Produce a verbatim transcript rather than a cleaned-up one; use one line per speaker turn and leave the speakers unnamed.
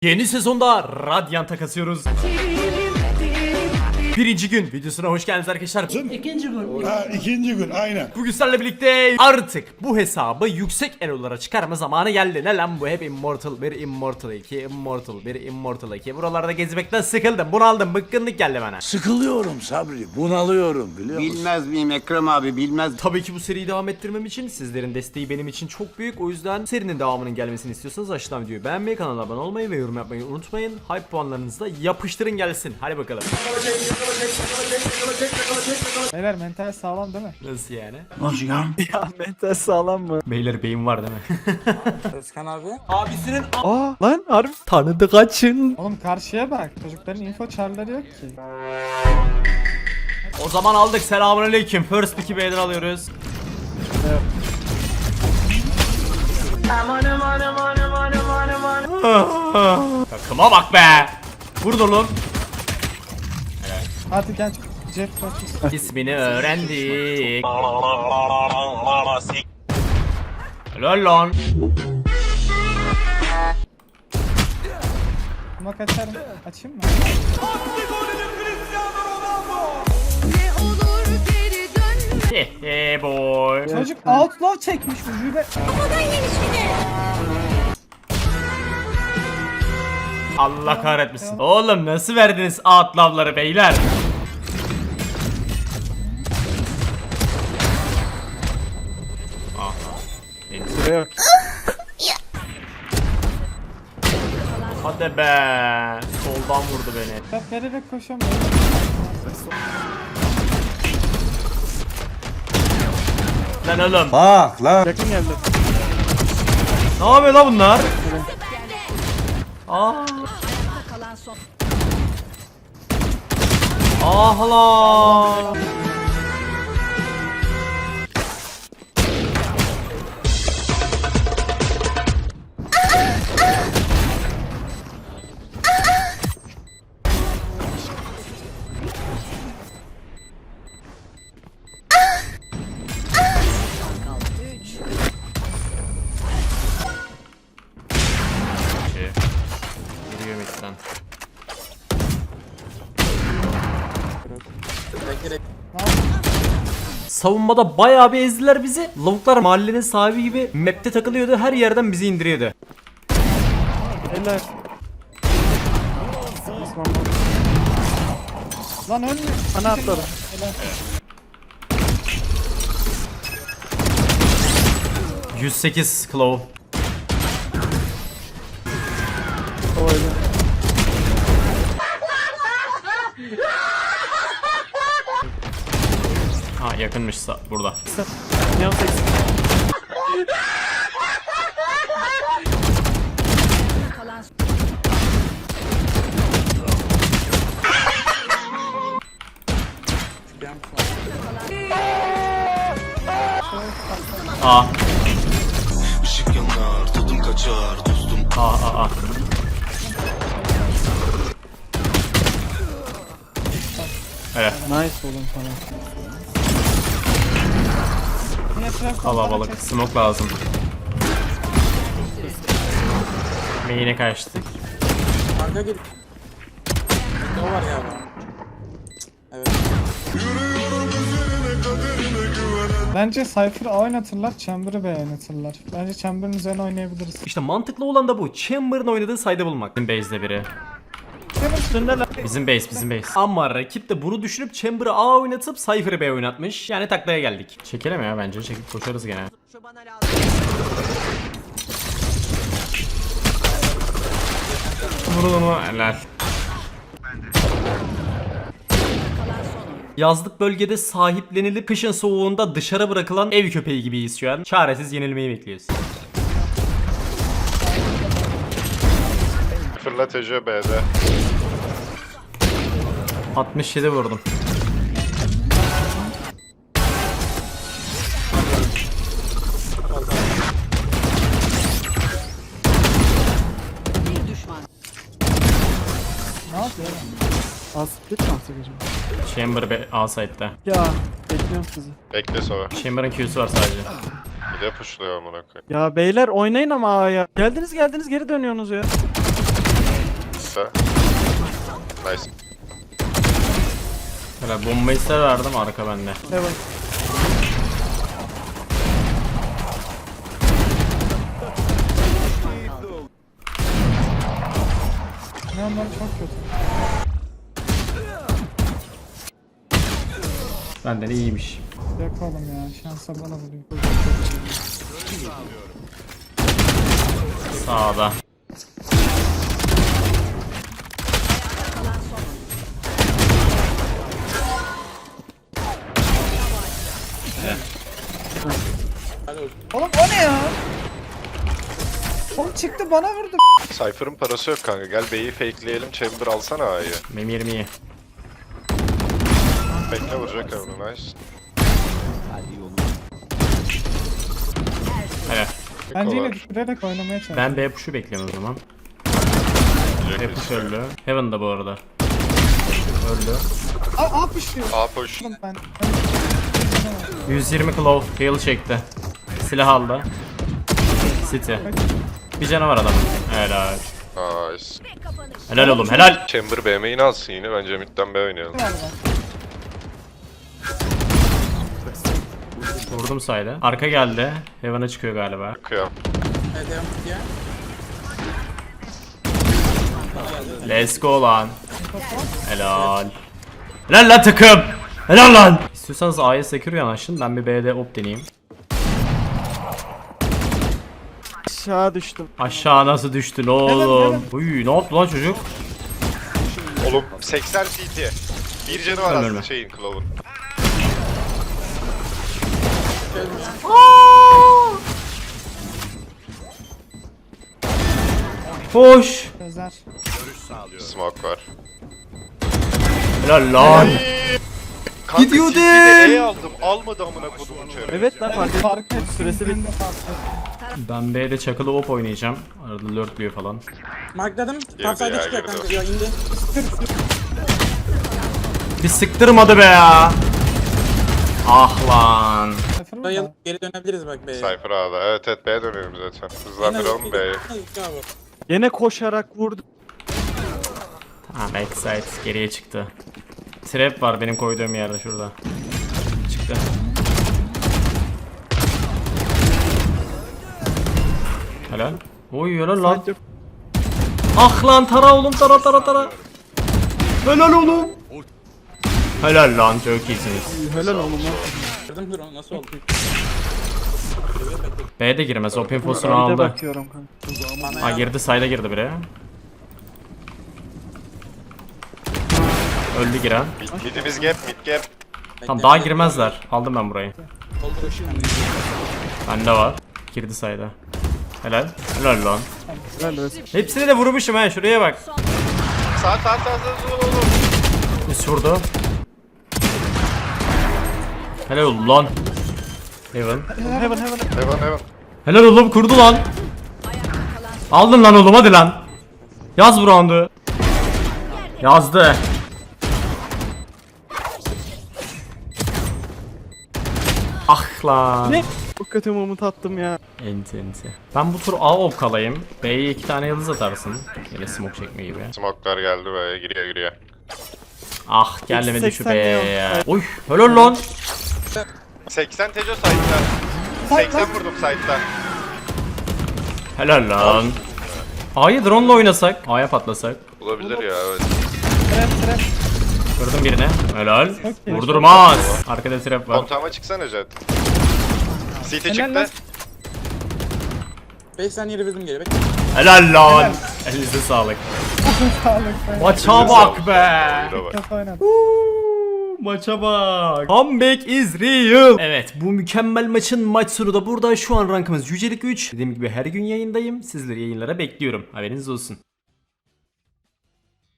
Yeni sezonda Radiant'a kasıyoruz. Birinci gün videosuna hoş geldiniz arkadaşlar.
İkinci gün.
Ha, ikinci gün aynen.
Bugün sizlerle birlikte artık bu hesabı yüksek elolara çıkarma zamanı geldi. Ne lan bu, hep Immortal bir, Immortal iki, Immortal bir, Immortal iki. Buralarda gezmekten sıkıldım, bunaldım, bıkkınlık geldi bana.
Sıkılıyorum Sabri, bunalıyorum biliyor musun?
Bilmez miyim Ekrem abi, bilmez.
Tabii ki bu seriyi devam ettirmem için sizlerin desteği benim için çok büyük. O yüzden serinin devamının gelmesini istiyorsanız aşağıdan videoyu beğenmeyi, kanala abone olmayı ve yorum yapmayı unutmayın. Hype puanlarınızı da yapıştırın gelsin. Hadi bakalım.
Beyler mental sağlam değil mi?
Nasıl yani?
Nasıl ya?
Ya mental sağlam mı?
Beyler beyin var değil mi?
Özkan abi.
Abisinin
Aa lan harbi.
tanıdı kaçın.
Oğlum karşıya bak. Çocukların info çarları yok ki.
O zaman aldık, selamünaleyküm. First pick'i B'den alıyoruz.
Evet.
Takıma bak be. Burada oğlum.
Hadi gel. Jet focus.
İsmini öğrendik. Helal lan.
Buna kaçarım. Açayım mı?
Ne olur geri dönme.
Hehe boy.
Çocuk outlaw çekmiş ucuyla.
Allah kahretmesin. Oğlum nasıl verdiniz atlavları beyler?
Süre yok.
Hadi be. Soldan vurdu beni.
Ben vererek koşamıyorum.
Lan oğlum.
Bak lan.
Yakın geldi.
Ne yapıyor lan bunlar? Aa.
Kalan son.
Ah lan. Yürüyor midden. Savunmada bayağı bir ezdiler bizi. Lavuklar mahallenin sahibi gibi map'te takılıyordu. Her yerden bizi indiriyordu.
Eller. Lan ölmüyor. Bana atladı.
yüz sekiz Claw. Ha yakınmışsa burada.
Neon seksen.
Kalan son.
A.
Işık yanar, tadım kaçar, dostum.
A A A. Evet.
Nice oğlum sana. Yine trap
Kalabalık. Smoke lazım. Main'e kaçtık.
Arka gir. Ne var ya? Evet.
Bence Cypher'ı A oynatırlar, Chamber'ı B oynatırlar. Bence Chamber'ın üzerine oynayabiliriz.
İşte mantıklı olan da bu. Chamber'ın oynadığı side'ı bulmak. Bizim base'de biri. Bizim base, bizim base. Ama rakip de bunu düşünüp Chamber'ı A oynatıp Cypher'ı B oynatmış. Yani taklaya geldik. Çekelim ya bence. Çekip koşarız gene. Vurun onu. Helal. Yazlık bölgede sahiplenilip kışın soğuğunda dışarı bırakılan ev köpeği gibiyiz şu an. Çaresiz yenilmeyi bekliyoruz.
Fırlatıcı B'de.
altmış yedi vurdum.
Bir düşman.
Ne yapıyor lan? Az split mi atacak acaba?
Chamber be A side'de.
Ya bekliyorum sizi.
Bekle sonra.
Chamber'ın Q'su var sadece.
Bir de pushluyor amına koyayım.
Ya beyler oynayın ama A'ya. Geldiniz geldiniz geri dönüyorsunuz ya.
Nice.
Böyle bombayı size verdim, arka bende.
Evet. Ne onlar çok kötü.
Benden iyiymiş.
Yok oğlum ya, şansa bana vuruyor.
Sağda.
Oğlum o ne ya? Oğlum çıktı bana vurdu.
Cypher'ın parası yok kanka. Gel B'yi fakeleyelim. Chamber alsana A'yı.
Benim yerim iyi.
Bekle vuracak onu. Nice.
Evet.
Bence yine
var.
düşürerek oynamaya çalış.
Ben B push'u bekliyorum o zaman. B
Vuracak
push
birisi.
öldü. Heaven'da bu arada. Öldü.
Aa, aa pışlıyor.
A push.
Oğlum ben.
yüz yirmi claw. Heal çekti. Silah aldı. City. Bir canavar adam. Helal.
Nice.
Helal oğlum, helal.
Chamber B main'i alsın yine. Bence midden B oynayalım.
Vurdum sayda. Arka geldi. Heaven'a çıkıyor galiba.
Kıyam.
Evet devam gidiyor.
Let's go lan. Helal. Helal lan takım. Helal lan. İstiyorsanız A'ya secure yanaşın. Ben bir B'de op deneyeyim.
Aşağı düştüm.
Aşağı nasıl düştün oğlum? Uy, ne yaptı lan çocuk?
Oğlum seksen C T. Bir canı var
Ölme,
aslında
ölme.
şeyin Claw'un.
Hoş.
Özer.
Smoke var.
Helal lan.
Kanka
Gidiyor
C T'de
değil.
E aldım. Almadı amına kodumun çarı.
Evet lan fark ettim.
Fark et.
Süresi bitti.
Ben B'de çakılı op oynayacağım. Arada lurkluyor falan.
Markladım.
Girdi
Top side'e
ya,
çıkıyor
girdi.
kanka. Ya indi.
Bir sıktırmadı be ya. Ah lan.
Sıfır mı
Dayıl
da?
geri dönebiliriz bak B'ye.
Cypher A'da. Evet evet B'ye dönelim zaten. Hızlandıralım B'yi.
Yine koşarak vurdu.
Ha, backside geriye çıktı. Trap var benim koyduğum yerde şurada. Çıktı. Helal. Oy helal lan. Ah lan tara oğlum, tara tara tara. Helal oğlum. Helal lan, çok iyisiniz.
Helal oğlum lan.
Gördüm dur onu nasıl oldu?
B'de girmez, o infosunu
Önde
aldı.
bakıyorum kanka.
Ha girdi, side'a girdi biri. Öldü giren.
Mid, midimiz gap, mid gap.
Tamam daha girmezler. Aldım ben burayı. Bende var. Girdi side'a. Helal. Helal lan.
Helal olsun.
Hepsini de vurmuşum ha, şuraya bak.
Sağ sağ sağ sağ sağ oğlum.
Üst vurdu. Helal oldu lan. Heaven.
Heaven heaven.
Heaven heaven.
Helal oğlum, kurdu lan. Aldın lan oğlum, hadi lan. Yaz bu roundu. Yazdı. Ah lan.
Ne? Çok kötü moment attım ya.
Enti enti. Ben bu tur A op kalayım. B'ye iki tane yıldız atarsın. Yine smoke çekme gibi.
Smoke'lar geldi B'ye giriyor giriyor.
Ah gelmedi şu
seksen
B'ye
yok.
ya. Oy helal lan.
seksen Tejo side'da. seksen vurdum side'da.
Helal lan. A'yı drone'la oynasak. A'ya patlasak.
Olabilir ya evet.
Trap trap.
Kırdım birine. Helal.
iyi.
Vurdurmaz. Arkada trap var.
Kontağıma çıksana Jet. C T
Helal lan.
çıktı.
beş saniye revisim geri bekle.
Helal lan. Elinize sağlık.
Sağlık be.
Maça bak be.
Burada bak.
Kafa oynadı.
Maça bak. Comeback is real. Evet, bu mükemmel maçın maç sonu da burada. Şu an rankımız yücelik üç. Dediğim gibi her gün yayındayım. Sizleri yayınlara bekliyorum. Haberiniz olsun.